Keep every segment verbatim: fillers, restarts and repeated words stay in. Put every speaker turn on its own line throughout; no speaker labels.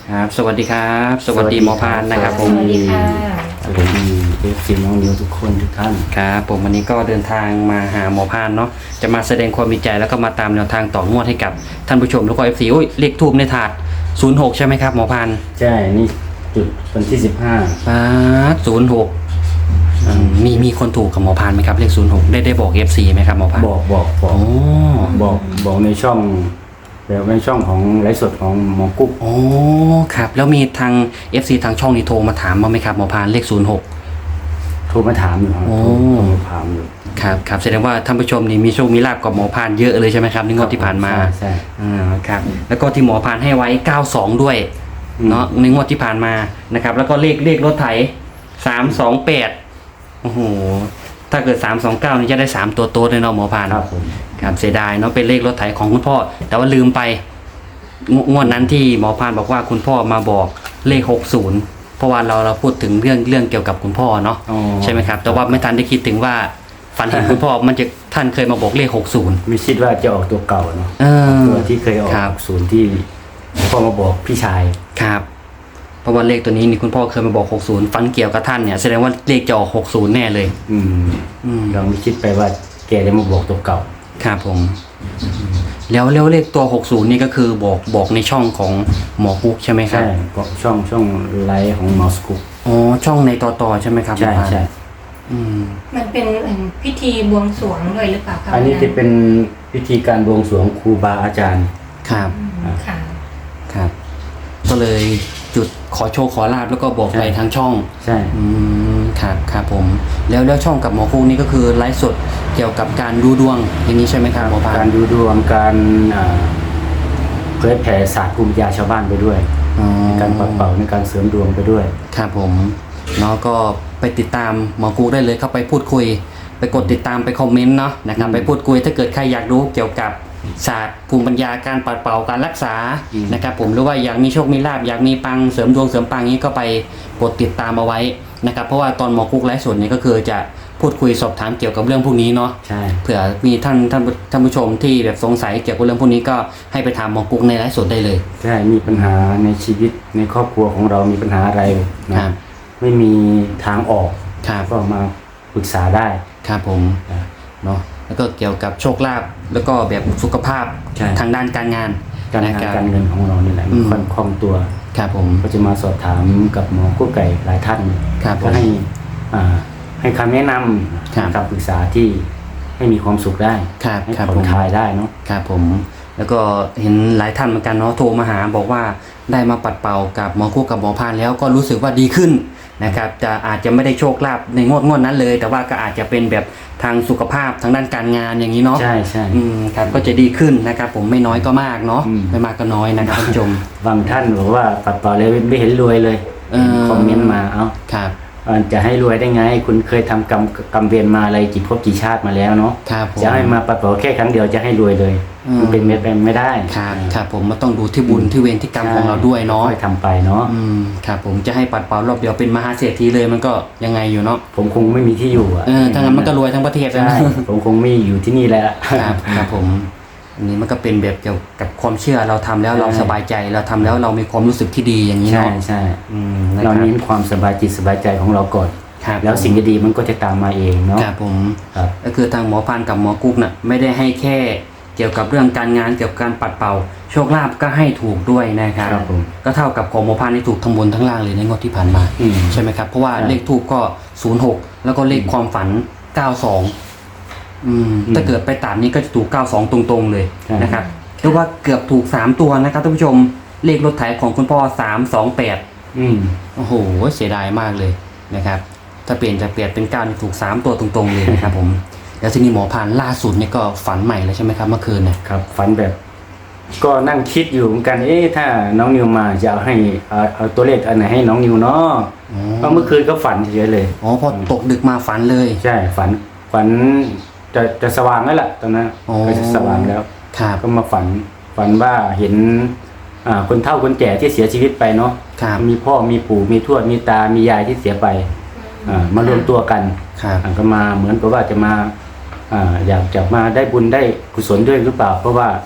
ครับสวัสดีครับสวัสดีหมอพานนะครับผม
สวัสดีค่ะ
สวัสดีเอฟซีน้องนิวทุกคนทุกท่าน
ครับผมวันนี้ก็เดินทางมาหาหมอพานเนาะจะมาแสดงความมีใจแล้วก็มาตามแนวทางต่องวดให้กับท่านผู้ชมแล้วก็ เอฟ ซี โอ้ยเลขทูบในถาดศูนย์หกใช่ไหมครับหมอพาน
ใช่ นี่จุดวันที่สิบห้า
ปาดศูนย์หกมีมีคนถูกกับหมอพานไหมครับเลขศูนย์หกได้ได้บอก เอฟ ซี ไหมครับหมอพาน
บอกบอกบอก
โอ้
บอกบอกในช่องแบบในช่องของไลฟ์สดของหมอกุ๊ก
โอ้ครับแล้วมีทาง เอฟ ซี ทางช่องนี้โทรมาถามมาไหมครับหมอพานเลขศูนย์หก
โทรมาถามอยู่ครับ
โอ้
โทรมาถามอยู่
ครับครับแสดงว่าท่านผู้ชมนี่มีโชคมีลาภกับหมอพานเยอะเลยใช่ไหมครับในงวดที่ผ่านมา
ใช่ใช่
อ่าครับแล้วก็ที่หมอพานให้ไว้เก้าสองด้วย
อืม
เนาะในงวดที่ผ่านมานะครับแล้วก็เลขเลขรถไถสามสองแปดโอ้โหถ้าเกิดสามสองเก้านี่จะได้สามตัวโต๊ดเลยเนาะหมอพาน
ครับผม
ครับเสียดายเนาะเป็นเลขรถไถของคุณพ่อ แต่ว่าลืมไปงงวดนั้นที่หมอพานบอกว่าคุณพ่อมาบอกเลขหกศูนย์เพราะว่าเราเราพูดถึงเรื่องเรื่องเกี่ยวกับคุณพ่อเนาะ
อ๋อ
ใช่ไหมครับแต่ว่าไม่ทันได้คิดถึงว่าฝันเห็นคุณพ่อมันจะท่านเคยมาบอกเลขหกศูนย์
ไม่คิดว่าจะออกตัวเก่าเนาะ
เออ
ตัวที่เคยออก
ครับ
ศูนย์ที่พ่อมาบอกพี่ชาย
ครับเพราะว่าเลขตัวนี้นี่คุณพ่อเคยมาบอกหกศูนย์ฝันเกี่ยวกับท่านเนี่ยแสดงว่าเลขจะออกหกศูนย์แน่เลย
อืม
อืม
เราไม่คิดไปว่าแกจะมาบอกตัวเก่า
ครับผมแล้วแล้วเลขตัวหกศูนย์นี่ก็คือบอกบอกในช่องของหมอกุ๊กใช่ไหมครับ
ใช่บอกช่องช่องไลฟ์ของหมอสกุ๊ก
อ๋อช่องในต่อต่อใช่ไหมครับ
ใช่
หมอพาน
ใช่
อืม
มันเป็นเหมือนพิธีบวงสรวงด้วยหรือเปล่าคะ
อันนี้จะเป็นพิธีการบวงสรวงครูบาอาจารย์
ครับ
อืมค่ะ
ครับ ก็เลยจุดขอโชคขอลาบแล้วก็บอกไปทางช่อง
ใช่
อืมครับครับผม แล้วแล้วช่องกับหมอกุ๊กนี่ก็คือไลฟ์สดเกี่ยวกับการดูดวงอย่างนี้ใช่ไหมครับหมอพาน
การดูดวงการอ่าเผยแผ่ศาสตร์ภูมิปัญญาชาวบ้านไปด้วย
อ๋อ
การปัดเป่าในการเสริมดวงไปด้วย
ครับผมเนาะก็ไปติดตามหมอกุ๊กได้เลยเข้าไปพูดคุย ไปกดติดตามไปคอมเมนต์เนาะนะครับ
อืม
ไปพูดคุยถ้าเกิดใครอยากรู้เกี่ยวกับศาสตร์ภูมิปัญญาการปัดเป่าการรักษา
อืม
นะครับผมหรือว่าอยากมีโชคมีลาภอยากมีปังเสริมดวงเสริมปังนี้ก็ไปกดติดตามเอาไว้นะครับเพราะว่าตอนหมอกุ๊กไลฟ์สดเนี่ยก็คือจะพูดคุยสอบถามเกี่ยวกับเรื่องพวกนี้เนาะ
ใช่
เผื่อมีท่านท่านท่านผู้ชมที่แบบสงสัยเกี่ยวกับเรื่องพวกนี้ก็ให้ไปถามหมอกุ๊กในไลฟ์สดได้เลย
ใช่มีปัญหาในชีวิตในครอบครัวของเรามีปัญหาอะไรนะครับ ไม่มีทางออก
ครับ
ก็มาปรึกษาได้
ครับผม
นะ
เนาะแล้วก็เกี่ยวกับโชคลาภแล้วก็แบบสุขภาพ
ใช่
ทางด้านการงาน
การ
นะ
งาน
ครับ
การเงินของเรานี่แหละ
อืม
ค่อนคล่องตัว
ครับผม
ก็จะมาสอบถามกับหมอกู้ไก่หลายท่าน
ครับผม
ก็ให้อ่าให้คำแนะน
ครับ
ำคำปรึกษาที่ให้มีความสุขได้
ครับ
ให้
ครับ
ผ่อ
ผ
น
ม
คลายได้เนาะ
ครับผม แล้วก็เห็นหลายท่านเหมือนกันเนาะโทรมาหาบอกว่าได้มาปัดเป่ากับหมอคู่กับหมอพานแล้วก็รู้สึกว่าดีขึ้นนะครับจะอาจจะไม่ได้โชคลาภในงวดงวดนั้นเลย แต่ว่าก็อาจจะเป็นแบบทางสุขภาพทางด้านการงานอย่างนี้เนาะ
ใช่ใช่
อืมครับก็จะดีขึ้นนะครับผมไม่น้อยก็มากเนาะ
อืม
ไม่มากก็น้อยนะครับท่านผู้ชม
บางท่านบอกว่าปัดต่อเลยไม่เห็นรวยเลย
เออ
คอมเมนต์มาเอ้า
ครับ
เอ่อจะให้รวยได้ไง คุณเคยทำกรรมกรรมเวรมาอะไรกี่ภพกี่ชาติมาแล้วเนาะ
ครับผม
จะให้มาปัดต่อแค่ครั้งเดียวจะให้รวยเลย
อืม
มันเป็นไปไม่ได้
ครับครับผมมันต้องดูที่บุญที่เวรที่กรรมของเราด้วยเนาะ
ค่อยทำไปเนาะ
อืมครับผมจะให้ปัดเป่ารอบเดียวเป็นมหาเศรษฐีเลยมันก็ยังไงอยู่เนาะ
ผมคงไม่มีที่อยู่อ่ะ
เออถ้างั้นมันก็รวยทั้งประเทศแล้ว
ใช่
นะ
ผมคงไม่อยู่ที่นี่แล้ว
ครับครับผมอันนี้มันก็เป็นแบบเกี่ยวกับความเชื่อเราทำแล้วเรา
ใช่
สบายใจเราทำแล้วเรามีความรู้สึกที่ดีอย่างนี้
ใช่
เนาะ
ใช่
อืมนะ
เรา
ครับ
เน้นความสบายจิตสบายใจของเราก่อน
ครับ
แล้วสิ่งดีๆมันก็จะตามมาเองเนาะ
ครับผม
ครับ
ก็คือทางหมอพานกับหมอกุ๊กน่ะไม่ได้ให้แค่เกี่ยวกับเรื่องการงานเกี่ยวกับการปัดเป่า โชคลาภก็ให้ถูกด้วยนะครับ
ครับผม
ก็เท่ากับของหมอพานที่ถูกทั้งบนทั้งล่างเลยในงวดที่ผ่านมา
อืม
ใช่ไหมครับเพราะว่า
ใช่
เลขทูปก็ศูนย์หกแล้วก็เลขความฝันเก้าสองอืม
อืม
ถ้าเกิดไปตัดนี้ก็จะถูกเก้าสองตรงๆเลย
ใช่
นะครับเรียกว่าเกือบถูกสามตัวนะครับท่านผู้ชมเลขรถไถของคุณพ่อสามสองแปด
อืม
โอ้โหเสียดายมากเลยนะครับถ้าเปลี่ยนจะเปลี่ยนเป็นเก้านี่ถูกสามตัวตรงๆเลยนะครับผมแล้วทีนี้หมอพานล่าสุดเนี่ยก็ฝันใหม่แล้วใช่ไหมครับเมื่อคืนเนี่ย
ครับฝันแบบ ก็นั่งคิดอยู่เหมือนกันเอ๊ะถ้าน้องนิวมาจะเอาให้เอาเอาตัวเลขอันไหนให้น้องนิวเนาะ
อ๋อ
เพราะเมื่อคืนก็ฝันเฉยๆเลย
อ๋อพอตกดึกมาฝันเลย
ใช่ฝันฝันจะจะสว่างแล้วล่ะตอนนั้น
อ๋อ
ก็จะสว่างแล้ว
ครับ
ก็มาฝันฝันว่าเห็นอ่าคนเฒ่าคนแก่ที่เสียชีวิตไปเนาะ
ครับ
มีพ่อมีปู่มีทวดมีตามียายที่เสียไปอ่ามารวมตัวกัน
ครับ
อ่าก็มาเหมือนกับว่าจะมาอ่าอยากจะมาได้บุญได้กุศลด้วยหรือเปล่า เพราะว่า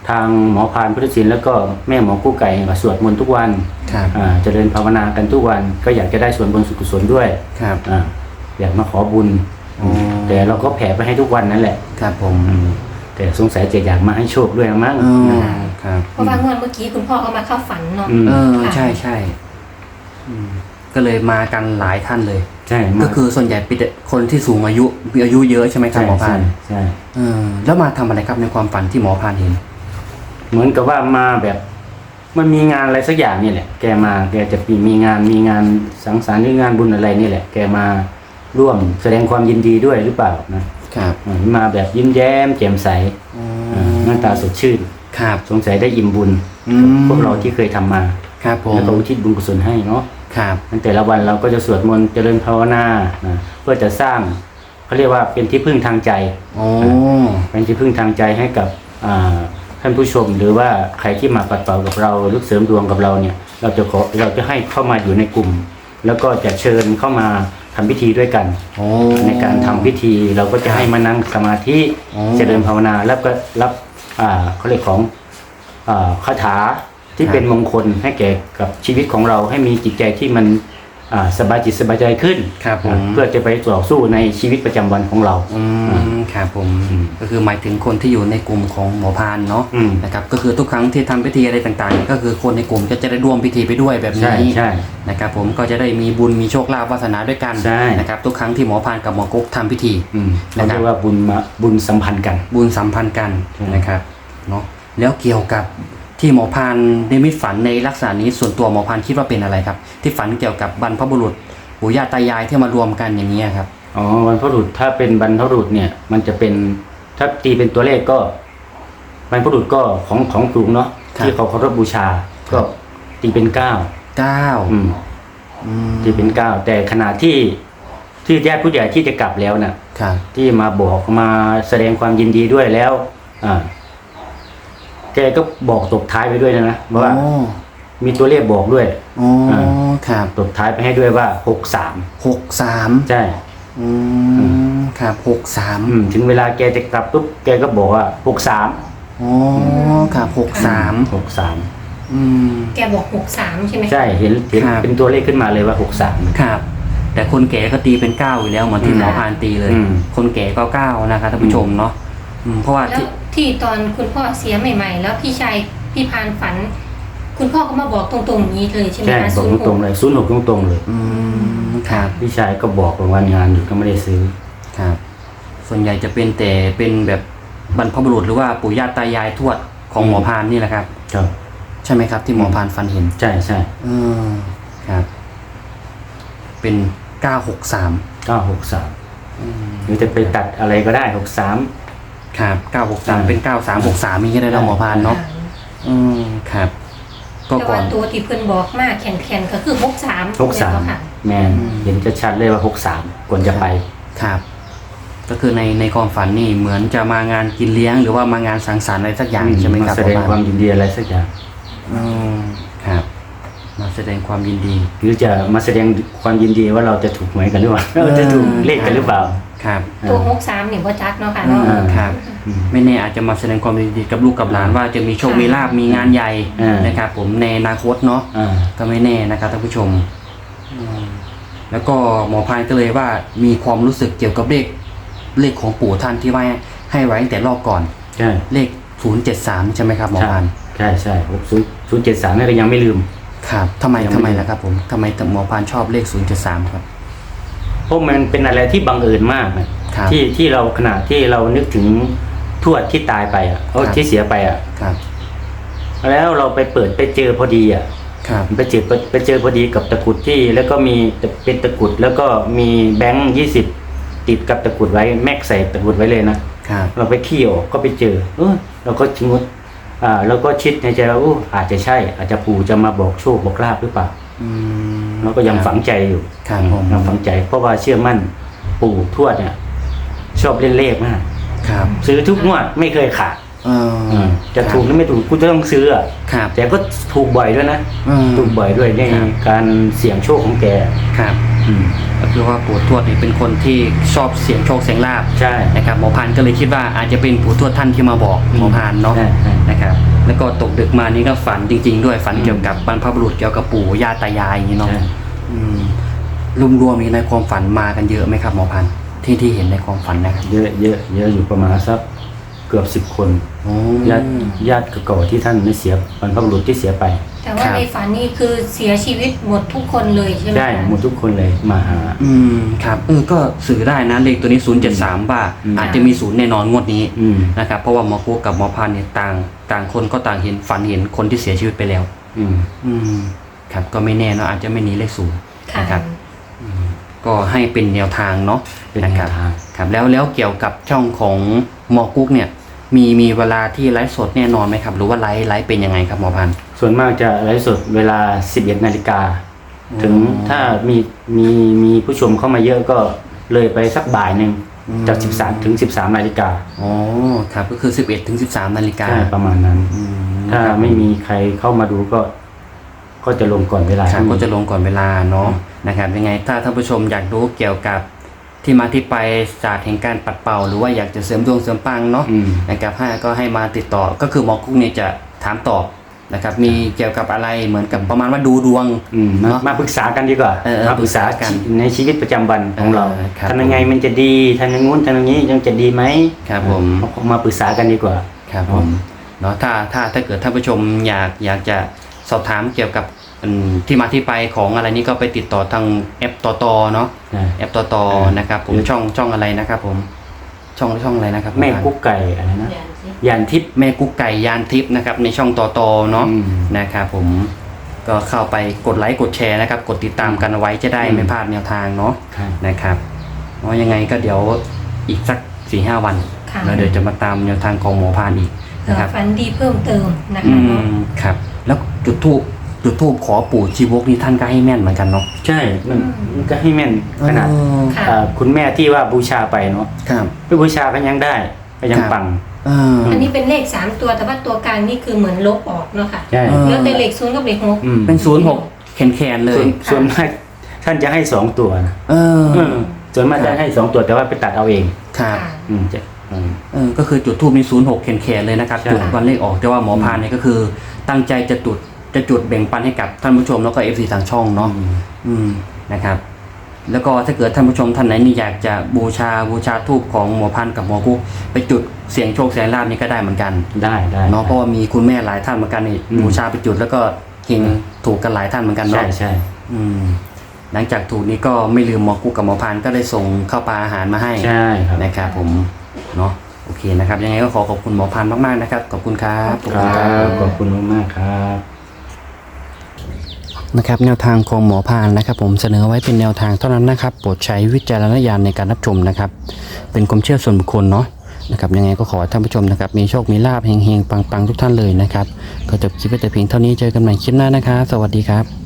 ทางหมอพานพุทธศิลป์แล้วก็แม่หมอกู้ไก่ก็สวดมนต์ทุกวัน
ครับ
อ่าเจริญภาวนากันทุกวันก็อยากจะได้ส่วนบุญสุขกุศลด้วย
ครับ
อ่าอยากมาขอบุญ
อ๋อ
แต่เราก็แผ่ไปให้ทุกวันนั่นแหละ
ครับผม
อืมแต่สงสัยจะอยากมาให้โชคด้วยมั้ง
อ๋อ
นะ
ครับ
เพราะว่างวดเมื่อกี้คุณพ่อก็มาเข้าฝันเนาะ
อืม
เออ
ค่ะ
ใช่ใช่อืมก็เลยมากันหลายท่านเลย
ใช่มา
ก็คือส่วนใหญ่เป็นคนที่สูงอายุมีอายุเยอะใช่ไหมครับ
ใช่
หมอพา
ใช่
น
ใช่
เออแล้วมาทำอะไรครับในความฝันที่หมอพานเห็น
เหมือนกับว่ามาแบบมันมีงานอะไรสักอย่างนี่แหละ แกมาแกจะมีมีงานมีงานสังสรรค์หรืองานบุญอะไรนี่แหละ แกมาร่วมแสดงความยินดีด้วยหรือเปล่านะครับ อ่ามาแบบยิ้มแย้มแจ่มใส
อ๋อ
อ่าหน้าตาสดชื่น
ครับ
สงสัยได้อิ่มบุญ
อืม
พวกเราที่เคยทำมา
ครับผม
แล้วก็อุทิศบุญกุศลให้เนาะ
ครับ
ในแต่ละวันเราก็จะสวดมนต์เจริญภาวนานะเพื่อจะสร้างเขาเรียกว่าเป็นที่พึ่งทางใจ
โอ้
เป็นที่พึ่งทางใจให้กับอ่าท่านผู้ชม หรือว่าใครที่มาปัดเป่ากับเราหรือเสริมดวงกับเราเนี่ย เราจะขอเราจะให้เข้ามาอยู่ในกลุ่ม แล้วก็จะเชิญเข้ามาทำพิธีด้วยกัน
โอ้
ในการทำพิธีเราก็จะให้มานั่งสมาธิ
อ๋อ
เจริญภาวนาแล้วก็รับอ่าเขาเรียกของอ่าคาถาที่เป็นมงคลให้แก่กับชีวิตของเราให้มีจิตใจที่มันอ่าสบายจิตสบายใจขึ้น
ครับผม
เพื่อจะไปต่อสู้ในชีวิตประจำวันของเรา
อืมครับผม
อืม
ก็คือหมายถึงคนที่อยู่ในกลุ่มของหมอพานเนาะ
อืม
นะครับก็คือทุกครั้งที่ทำพิธีอะไรต่างๆ ก็คือคนในกลุ่มก็จะได้ร่วมพิธีไปด้วยแบบ
ใช่
นี้
ใช่
นะครับผมก็จะได้มีบุญมีโชคลาภวาสนาด้วยกัน
ใช่
นะครับทุกครั้งที่หมอพานกับหมอกุ๊กทำพิธี
อืมเขาเรียกว่าบุญมาบุญสัมพันธ์กัน
บุญสัมพันธ์กัน
ใช่
นะครับเนาะแล้วเกี่ยวกับที่หมอพานได้มิตฝันในลักษณะนี้ส่วนตัวหมอพานคิดว่าเป็นอะไรครับ ที่ฝันเกี่ยวกับบรรพบุรุษปู่ย่าตายายที่มารวมกันอย่างนี้ยครับ
อ๋อวันพบุรุษถ้าเป็นบรรพบุรุษเนี่ย มันจะเป็นถ้าตีเป็นตัวเลขก็บรรพบุรุษก็ของของกลุ่มเนาะ
ครับ
ที่เขาเคารพบูชา ก็ตีเป็นเก้า
เก้า
อืม
อืม
ตีเป็นเก้าแต่ขณะที่ที่ญาติผู้ใหญ่ที่จะกลับแล้วน่ะ
ครับ
ที่มาบอกมาแสดงความยินดีด้วยแล้ว อ่า แกก็บอกตบท้ายไปด้วยนะนะว่า
โอ้
มีตัวเลขบอกด้วย
โอ้ครับ
ตบท้ายไปให้ด้วยว่าหกสาม
หกสาม
ใช่
อืมครับหกสาม
อืมถึงเวลาแกจะกลับปุ๊บแกก็บอกว่าหกสาม
โอ้ครับหกสาม
หกสาม
อืม
แกบอกหกสามใช่ไหม
ใช่เห็นเห็น
ครับ
เป็นตัวเลขขึ้นมาเลยว่าหกสาม
ครับ แต่คนแก่ก็ตีเป็นเก้าอยู่แล้วเหมือนที่
อืม
หมอพานตีเลย
อืม
คนแก่ก็เก้านะครับท่านผู้ชมเนาะอืมเพราะว่า
แล้ว
ที่
ที่ตอนคุณพ่อเสียใหม่ ๆ แล้วพี่ชายพี่พานฝัน คุณพ่อก็มาบอกตรงๆอย่างนี้เลยใช่ไหม
ใช่
คะ
บอกตรงๆเลยศูนย์หกตรงๆเลย
อืมครับ
พี่ชายก็บอกว่าวันงานอยู่ก็ไม่ได้ซื้อ
ครับ ส่วนใหญ่จะเป็นแต่เป็นแบบบรรพบุรุษหรือว่าปู่ย่าตายายทวดของหมอพานนี่แหละครับ
ครับ
ใช่ไหมครับ ที่หมอพานฟันเห็น
ใช่ใช่
อืมครับ เป็นเก้าหกสาม
เก้าหกสามหรือจะไปตัดอะไรก็ได้หกสาม
ครับเก้าหกสาม
อืม
เป็นเก้าสามหกสามมีแค่ได้เราหมอพานเนาะอืมครับ ก็
แต่
ก่อ
ว่าน ตัวที่เพื่อนบอกมากแข็งๆก็คือหกสาม
หกสาม
ค่ะ
แมน
อืม
เห็นจะชัดเลยว่าหกสามควรจะไป
ครับ ก็คือในในความฝันนี่เหมือนจะมางานกินเลี้ยง หรือว่ามางานสังสรรค์อะไรสักอย่างใช่ไหมครับ
แสดงความยินดีอะไรสักอย่าง
อืมครับ มาแสดงความยินดี
หรือจะมาแสดงความยินดีว่าเราจะถูกหวยกันหรือเปล่า
เออ
เราจะถูกเลขกันหรือเปล่า
ครับ
ตัวหกสามเนี่ยว่าจักเนาะค่ะ
อื
เนาะ
มครับ
อืม
ไม่แน่อาจจะมาแสดงความยินดีกับลูกกับหลานว่าจะมีโชคมีลาบมีงานใหญ่
อ่าน
นะครับ ผมในอนาคตเนาะ
อ่า
ก็ไม่แน่นะครับท่านผู้ชมอืมแล้วก็หมอพายก็เลยว่ามีความรู้สึกเกี่ยวกับเลขเลขของปู่ท่านที่ว่าให้ไว้ตั้งแต่รอบก่อน
ใช่
เลขศูนย์เจ็ดสามใช่ไหมครับหมอ
ใช่
พาน
ใช่ใช่ศูนย์ศูนย์เจ็ดสามนี่ก็ยังไม่ลืม
ครับทำไม
ยังไม่
ทำไมล่ะครับผมทำไมหมอพานชอบเลขศูนย์เจ็ดสามครับ
เพราะมันเป็นอะไรที่บังเอิญมากนะครับ ที่ที่เราขณะที่เรานึกถึงทวดที่ตายไปอ่ะเขา
ครับ
ที่เสียไปอ่ะ
ครับ
แล้วเราไปเปิดไปเจอพอดีอ่ะ
ครับ
ไปเจอไปเจอพอดีกับตะกรุดที่แล้วก็มีเป็นตะกรุดแล้วก็มีแบงค์ยี่สิบติดกับตะกรุดไว้แม็กใส่ตะกรุดไว้เลยนะครับ เราไปขี้ออกก็ไปเจอเออเราก็ชงดอ่าเราก็คิดในใจว่าอู้อาจจะใช่ อาจจะปู่จะมาบอกโชคบอกลาภหรือเปล่า
อืม
เราก็ยังฝังใจอยู่
ครับผม
ยังฝังใจ เพราะว่าเชื่อมั่นปู่ทวดเนี่ย ชอบเล่นเลขมาก
ครับ
ซื้อทุกงวดไม่เคยขาด
เออ
อืมจะถูกหรือไม่ถูกกูจะต้องซื้ออ่ะ
ครับ
แต่ก็ถูกบ่อยด้วยนะ
อืม
ถูกบ่อยด้วยใน
ครับ
การเสี่ยงโชคของแก
ครับ
อืม
ก็คือว่าปู่ทวดนี่เป็นคนที่ชอบเสียงโชคเสียงลาบ
ใช่
นะครับหมอพานก็เลยคิดว่าอาจจะเป็นปู่ทวดท่านที่มาบอกหมอพานเนาะ
ใช่ใช่
นะครับแล้วก็ตกดึกมานี่ก็ฝันจริง ๆ ด้วยฝัน
อืม
เกี่ยวกับบรรพบุรุษเกี่ยวกับปู่ย่าตายายอย่างนี้เนาะ
ใช่
อืมรวมๆนี้ในความฝันมากันเยอะไหมครับหมอพันธุ์ที่ที่เห็นในความฝันนะครับ
เยอะเยอะเยอะอยู่ประมาณสักเกือบสิบคน
โอ้
ญาติญาติเก่าๆที่ท่านได้เสียบรรพบุรุษที่เสียไป
แต่ว่าในฝันนี่คือเสียชีวิตหมดทุกคนเลยใช่ไหม
ใช่
คะ
หมดทุกคนเลยมาหา
อืมครับเออก็สื่อได้นะเลขตัวนี้ศูนย์เจ็ดสามว่า
อืม
อาจจะมีศูนย์แน่นอนงวดนี้
อืม
นะครับเพราะว่าหมอกุ๊กกับหมอพันธุ์เนี่ยต่างต่างคนก็ต่างเห็นฝันเห็นคนที่เสียชีวิตไปแล้ว
อืม
อืมครับก็ไม่แน่เนาะอาจจะไม่หนีเลขศูนย์
ค่ะ
นะครับ ก็ให้เป็นแนวทางเนาะ
เป็น
นะ
แน
ครั
ว
บ
ทาง
ครับแล้วแล้วเกี่ยวกับช่องของหมอกุ๊กเนี่ย มีมีเวลาที่ไลฟ์สดแน่นอนไหมครับ หรือว่าไลฟ์ไลฟ์เป็นยังไงครับหมอพันธุ์
ส่วนมากจะไลฟ์สดเวลาสิบเอ็ดนาฬิกาถึง
อ๋อ
ถ้ามีมีมีผู้ชมเข้ามาเยอะก็เลยไปสักบ่ายหนึ่ง
อืม
จากสิบสามถึงสิบสามนาฬิกา
อ๋อครับก็คือสิบเอ็ดถึงสิบสามนาฬิกา
ใช่ประมาณนั้น
อืม
ถ้าไม่มีใครเข้ามาดูก็ ก็จะลงก่อนเวลา
ครับ
ที่
ก็จะลงก่อนเวลาเนาะ
อืม
นะครับยังไงถ้าท่านผู้ชมอยากรู้เกี่ยวกับที่มาที่ไปศาสตร์แห่งการปัดเป่า หรือว่าอยากจะเสริมดวงเสริมปังเนาะ
อืม
นะครับให้ก็ให้มาติดต่อก็คือหมอกุ๊กเนี่ยจะถามตอบนะครับมีเกี่ยวกับอะไรเหมือนกับประมาณว่าดูดวง
อืมมา
เนอะ
มาปรึกษากันดีกว่า
เออเออ
มาปรึกษา
ปรึกษากัน
ในชีวิตประจำวันของเรา
เออครับ
ทำยังไงมันจะดีทำอย่างงู้นทำอย่างนี้ยังจะดีไหม
ครับผม
เอามาปรึกษากันดีกว่า
ครับผมเนาะถ้าถ้าถ้าเกิดท่านผู้ชมอยากอยากจะสอบถามเกี่ยวกับอืมที่มาที่ไปของอะไรนี้ก็ไปติดต่อทางแอปตอตอเนาะ
ใช่
แอปตอตอ
เออ
นะครับผม
หรือ
ช่องช่องอะไรนะครับผมช่องช่องอะไรนะครับ
แม่กุ๊กไก่อะไรนะ
อย่างสิ
ยันทิพย์
แม่กุ๊กไก่ยานทิพย์นะครับในช่องตอตอเนาะ
อืม
นะครับผมก็เข้าไปกดไลค์กดแชร์นะครับกดติดตามกันเอาไว้จะได้
อืม
ไม่พลาดแนวทางเนาะ
ใช่
นะครับเพราะยังไงก็เดี๋ยวอีกสักสี่ห้าวัน
ค่ะ
แล้วเดี๋ยวจะมาตามแนวทางของหมอพานอีก
เผื่
นะ
อ
ครับ
ฝันดีเพิ่มเติมนะ
อื
คะเนาะ
มครับแล้วจุดทูบจุดทูบขอปู่ชีวกนี่ท่านก็ให้แม่นเหมือนกันเนาะ
ใช่มันมันก็ให้แม่นขนาด
อ๋อ
ค่ะ
อ่าคุณแม่ที่ว่าบูชาไปเนาะ
ครับ
ไปบูชาก็ยังได้ก็ยัง
ครับ
ปัง
เออ
อันนี้เป็นเลขสามตัวแต่ว่าตัวกลางนี่คือเหมือนลบออกเนาะค่ะ
ใช่
เออ
แล้วแต่เลขศูนย์กับเลขหก
อืม
เป็นศูนย์หกแขนแขนๆเล
ส่วย น
ค่ะ
ส่วนมากท่านจะให้สองตัวนะ
เออ
เออส่วนมากจะให้สองตัวแต่ว่าไปตัดเอาเอง
ครับ
ค่ะ
อืมจะอืม
เออก็คือจุดทูบในศูนย์หกแขนแขนๆเลยนะครับ
ใช่
จุดวันเลขออกแต่ว่าหมอพานเนี่ยก็คือตั้งใจจะจุดจะจุดแบ่งปันให้กับท่านผู้ชมแล้วก็เอฟซีทางช่องเนาะ อืมนะครับ แล้วก็ถ้าเกิดท่านผู้ชมท่านไหนนี่อยากจะบูชาบูชาทูบของหมอพันธุ์กับหมอกุ๊กไปจุดเสียงโชคเสียงลาบนี่ก็ได้เหมือนกัน
ได้ได้
เนาะเพราะว่ามีคุณแม่หลายท่านเหมือนกันนี่
อืม
บูชาไปจุดแล้วก็เฮงถูกกันหลายท่านเหมือนกัน
ใช่
เนาะ
ใช่
อืมหลังจากถูกนี้ก็ไม่ลืมหมอกุ๊กกับหมอพันธุ์ก็ได้ส่งข้าวปลาอาหารมาให้
ใช่ครับ
นะครับผมเนาะโอเคนะครับ ยังไงก็ขอขอบคุณหมอพันธุ์มากๆนะครับขอบคุณครับขอบ
ค
คุณ
รั
ครับ
บขอบคุณมากๆครับ
นะครับแนวทางของหมอพานนะครับผมเสนอไว้เป็นแนวทางเท่านั้นนะครับโปรดใช้วิจารณญาณในการรับชมนะครับเป็นความเชื่อส่วนบุคคลเนาะนะครับยังไงก็ขอให้ท่านผู้ชมนะครับมีโชคมีลาภเฮงๆปังๆทุกท่านเลยนะครับก็จบคลิปไว้แต่เพียงเท่านี้เจอกันใหม่คลิปหน้านะครับสวัสดีครับ